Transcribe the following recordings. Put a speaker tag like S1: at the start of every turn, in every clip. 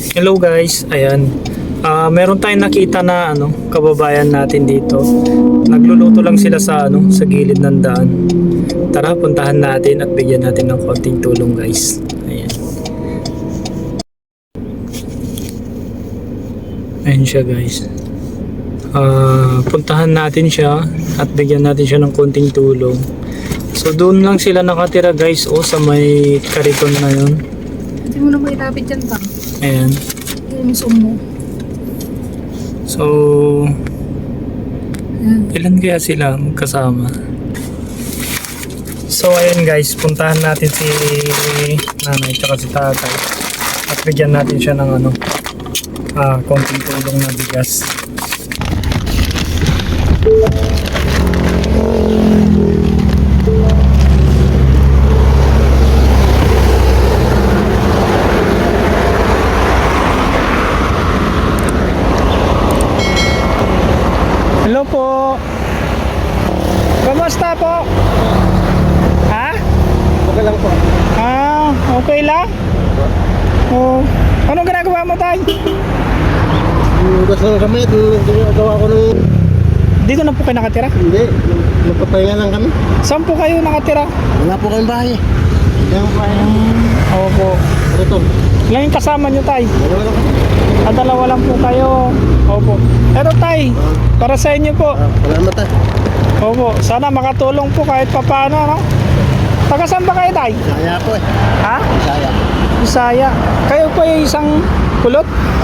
S1: Hello guys, ayan. Meron tayong nakita na kababayan natin dito. Nagluluto lang sila sa gilid ng daan. Tara, puntahan natin at bigyan natin ng konting tulong guys. Ayan. Ayan siya guys. Puntahan natin siya at bigyan natin siya ng konting tulong. So doon lang sila nakatira guys, sa may kariton na yun.
S2: Hindi mo na mailapit dyan pa.
S1: Ayan.
S2: Yung sumo.
S1: So, ilan kaya sila magkasama? So, ayun guys, puntahan natin si nanay tsaka si tatay at bigyan natin siya ng konting tulong na bigas. Hello po. Kamusta po? Ha?
S3: Okay lang po.
S1: Okay lang? Anong ginagawa mo tayo?
S3: Gusto lang kami at gawa ko ng...
S1: Dito na po kayo nakatira?
S3: Hindi, magpapahinga lang kami.
S1: Saan po kayo nakatira?
S3: Wala po kami bahay. Hindi ang bahay.
S1: Opo.
S3: Ito.
S1: Ilan yung kasama nyo tayo?
S3: Dalawa lang kami.
S1: Dalawa lang po kayo. Opo. Pero tay, para sa inyo po.
S3: Salamat ah.
S1: Opo. Sana makatulong po kahit papaano, no? Taga saan ba kayo tay?
S3: Saya po eh.
S1: Ha?
S3: Saya.
S1: Bisaya. Kayo po ay isang kulot?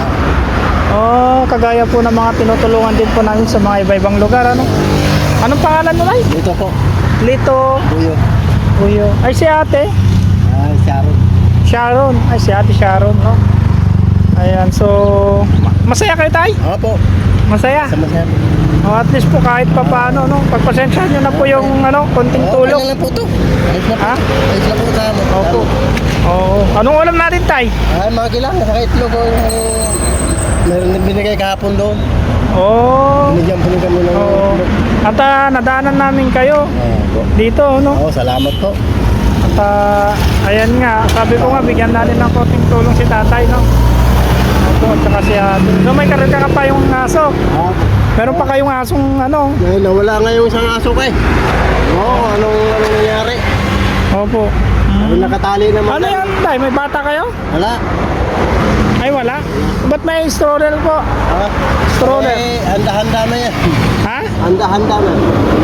S1: Kagaya po ng mga tinutulungan din po namin sa mga iba-ibang lugar, ano? Anong pangalan mo tay?
S3: Dito po.
S1: Lito.
S3: Buyo.
S1: Buyo. Ay si ate?
S3: Sharon.
S1: Sharon. Ay si ate Sharon, no? Ayan, so masaya kayo tay?
S3: Opo.
S1: Masaya?
S3: Sama-sama.
S1: At least po kahit pa paano, no? Pagpasensyahan nyo na po yung konting tulong.
S3: Okay lang po to. Ayos na po.
S1: Ha?
S3: Ayos na po sa amin.
S1: Opo. Oo. Anong ulam natin tay?
S3: Ay, mga kilang. Saka itlog ko yung... Meron din binigay kahapon doon. Binigyan po kami ng...
S1: Oo. At nadaanan namin kayo dito, no?
S3: Oo, salamat po.
S1: At ayan nga, sabi ko nga, bigyan natin ng konting tulong si tatay, no? Opo, at saka si ate. So may karga ka pa yung aso. Meron pa kayong asong
S3: Dahil nawala nga yung isang aso ko eh. Oo, anong nangyari?
S1: Opo.
S3: Sabi nakatali naman.
S1: Ano yan tay? May bata kayo?
S3: Wala.
S1: Ay wala. Ba't may stroller po?
S3: Ha?
S1: Stroller.
S3: Eh, handa-handa na yan.
S1: Ha?
S3: Handa-handa na.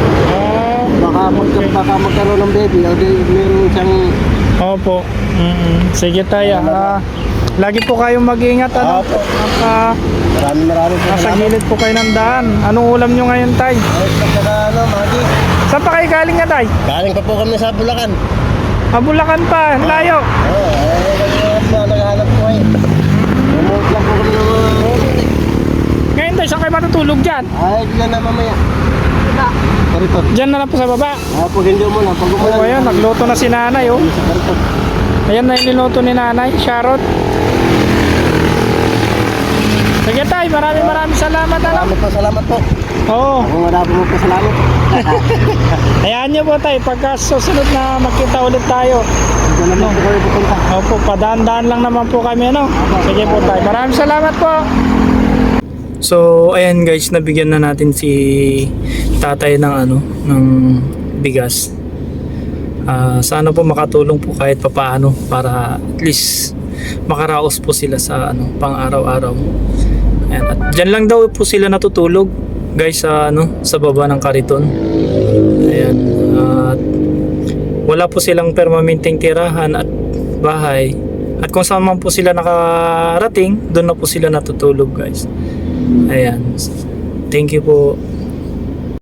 S3: Baka magkaroon ng baby. O di meron siyang...
S1: Opo. Sige tayo. Lagi po kayong mag-ingat,
S3: Opo.
S1: At
S3: Marami po
S1: nasa gilid po kayo ng daan. Anong ulam nyo ngayon tay?
S3: Ayos na saka Magi.
S1: Saan pa kayo galing nga tay?
S3: Galing pa po kami sa Bulacan.
S1: Bulacan pa. Layo.
S3: Oo, naghahanap ko eh. Remote lang po kami ng mga...
S1: Ngayon tay, saan kayo matutulog dyan?
S3: Ay, diyan na mamaya. Kariton.
S1: Dyan na lang po sa baba.
S3: Pag hindi mo na, pag umulan.
S1: Ayan, nagluto na si nanay,
S3: Sa kariton.
S1: Ayan na yung niluto ni nanay, Sharon. Sige tay, maraming salamat.
S3: Salamat po.
S1: Oo.
S3: Ako nga na po salamat.
S1: Hayaan nyo po tay, pagka susunod na magkita ulit tayo.
S3: Diyan naman po kayo pupunta.
S1: Opo, padaan-daan lang naman po kami, Sige po tay, maraming salamat po. So, ayan guys, nabigyan na natin si tatay ng bigas. Sana po makatulong po kahit papaano para at least makaraos po sila sa pang araw-araw. Ayan, at dyan lang daw po sila natutulog guys sa baba ng kariton. Ayan, at wala po silang permanenteng tirahan at bahay. At kung saan man po sila nakarating, doon na po sila natutulog guys. Ayan. Thank you po.